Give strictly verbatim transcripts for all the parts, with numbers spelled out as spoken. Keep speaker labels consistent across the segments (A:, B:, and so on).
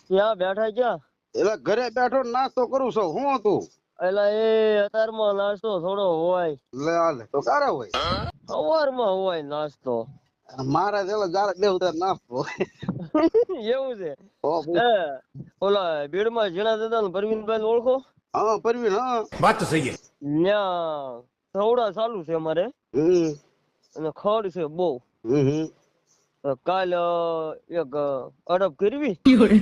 A: ત્યાં બેઠા ક્યાં?
B: એટલે ઘરે બેઠો નાસ્તો કરું છું. હું તું
A: એટલે એ અત્યારમાં નાસ્તો થોડો હોય.
B: લે આલે તો કારે હોય
A: સવારમાં હોય નાસ્તો.
B: મારા જેલો જારે બે ઉતાર નાસ્તો
A: એવું છે.
B: હો
A: એ ઓલા ભીડમાં જીણા દાદા ને પરવીનભાઈ ઓળખો?
B: હા પરવીન હા
C: વાત તો સહી છે.
A: ત્યાં સવડા ચાલુ છે અમારે
B: હમ
A: અને ખડ છે બહુ.
B: હમ હમ
A: કાલ એક અડપ કરવી.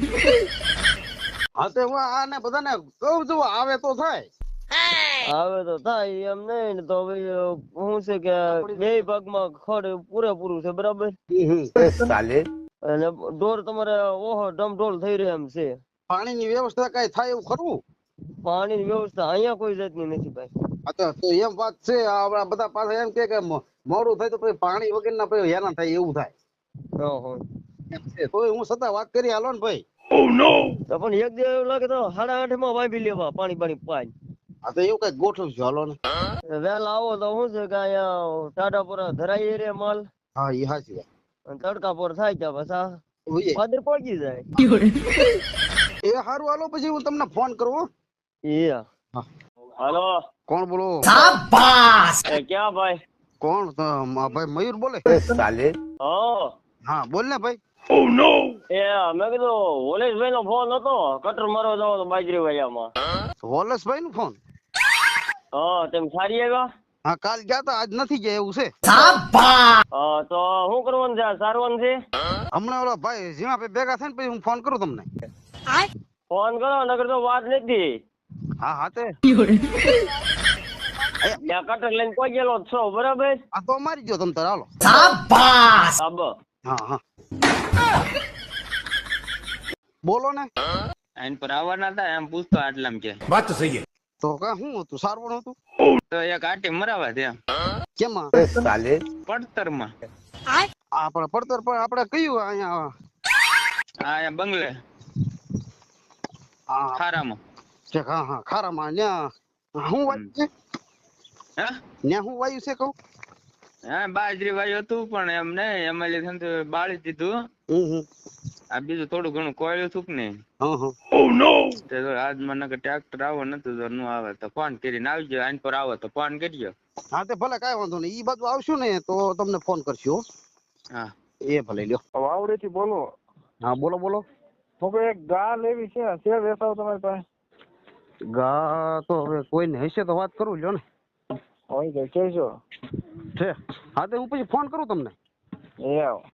B: હા તો હું આને બધાને કહું છું આવે તો થાય.
A: આવે તો થાય એમ નહીં ને તો હું છે કે બે ભાગમાં ખડ પૂરેપૂરું છે બરાબર.
C: સાલે
A: અને ઢોર તમારે ઓહો ડમઢોલ થઈ રહ્યા એમ છે.
B: પાણીની વ્યવસ્થા કઈ થાય એવું ખરું?
A: પાણીની વ્યવસ્થા અહીંયા કોઈ જાતની નથી ભાઈ.
B: હા તો તો એમ વાત છે. આપડા બધા પાસે એમ કે કે મોડું થાય તો પછી પાણી વગરના પછી હેરાન થાય એવું થાય.
A: ઓહો.
B: એમ છે. તોય હું છતાં વાત કરી હાલો ને ભાઈ.
A: તો પણ એક દિવસ એવું લાગે તો સાડા આઠ માં વાપી લેવા પાણી પાણી પાઈ.
B: હા તો એવું કઈ ગોઠવશું હાલો ને.
A: વહેલા આવો તો શું છે કે અહીંયા ટાટાપુરા ધરાઈ રે માલ
B: હા એ હાચી વાત.
A: અને તડકાપુર થાય ત્યાં પાછા
B: ઓય.
A: પાદર પહોંચી જાય.
B: એ હારું હાલો પછી હું તમને ફોન કરું હો.
A: એ હાલો.
B: કોણ બોલો?
A: એ ક્યાં ભાઈ?
B: કોણ? તો મા ભાઈ મયુર બોલે.
C: સાલે
A: હા.
B: હા બોલ ને ભાઈ.
A: એ મેં કીધું વોલેશભાઈ નો ફોન હતો કટર મારવા જાવ તો બાજરી વાયામાં.
B: વોલેશભાઈ નો ફોન?
A: હા તેમ સારી આવ્યા?
B: હા કાલ ગયા તા આજ નથી ગયા એવું છે.
A: હા તો શું કરવાનું છે? સારવાનું છે?
B: હમણાં ઓલા ભાઈ જીવા ભાઈ ભેગા થાય ને પછી હું ફોન કરું તમને.
A: ફોન કરો નકર તો વાત નથી.
B: હા હા તે
A: ત્યાં કટર લઈને કોઈ ગયેલો જ છો બરાબર?
B: આ તો મારી ગયો તમ તાર હાલો.
A: હા બ
B: હા હા બોલો ને.
D: આઈન પર આવવાના હતા એમ પૂછતો આટલામ કે
C: વાત તો સહી છે.
B: તો કા શું હતું? સારવણ હતું?
D: તો એક આટી મરાવા છે
B: કેમાં?
C: સાલે
D: પડતર માં.
B: આપણે પડતર પર આપણે કયું અહીંયા?
D: આ બંગલે
B: હા
D: ખારામાં.
B: ઠીક, હા હા ખારામાં ન્યા શું વાયું છે?
D: હા
B: ન્યા શું વાયું છે કહું?
D: હા બાજરી વાયું હતું પણ એમ નહીં એમાં લીધે બાળી દીધું.
B: હમ હમ
D: આ બીજું થોડું ઘણું કોયલું હતું કે નહીં.
B: હા હા
D: આજ મને ટ્રેક્ટર આવો નતું તો નું આવે તો ફોન કરીને આવજો. આઈન પર આવો તો ફોન કરજો.
B: હા તે ભલે કાંઈ વાંધો નહીં. ઈ બાજુ આવશું ને તો તમને ફોન કરશું હો.
D: હા
B: એ ભલે લ્યો.
A: વાવડેથી બોલો.
B: હા બોલો બોલો.
A: તો એક ગા લેવી છે છે વેસાવ તમારી પાસે?
B: ગા તો હવે કોઈને હશે તો વાત કરું લ્યો ને.
A: હોય તો કહેજો.
B: છે હા તો હું પછી ફોન કરું તમને.
A: એ આવો.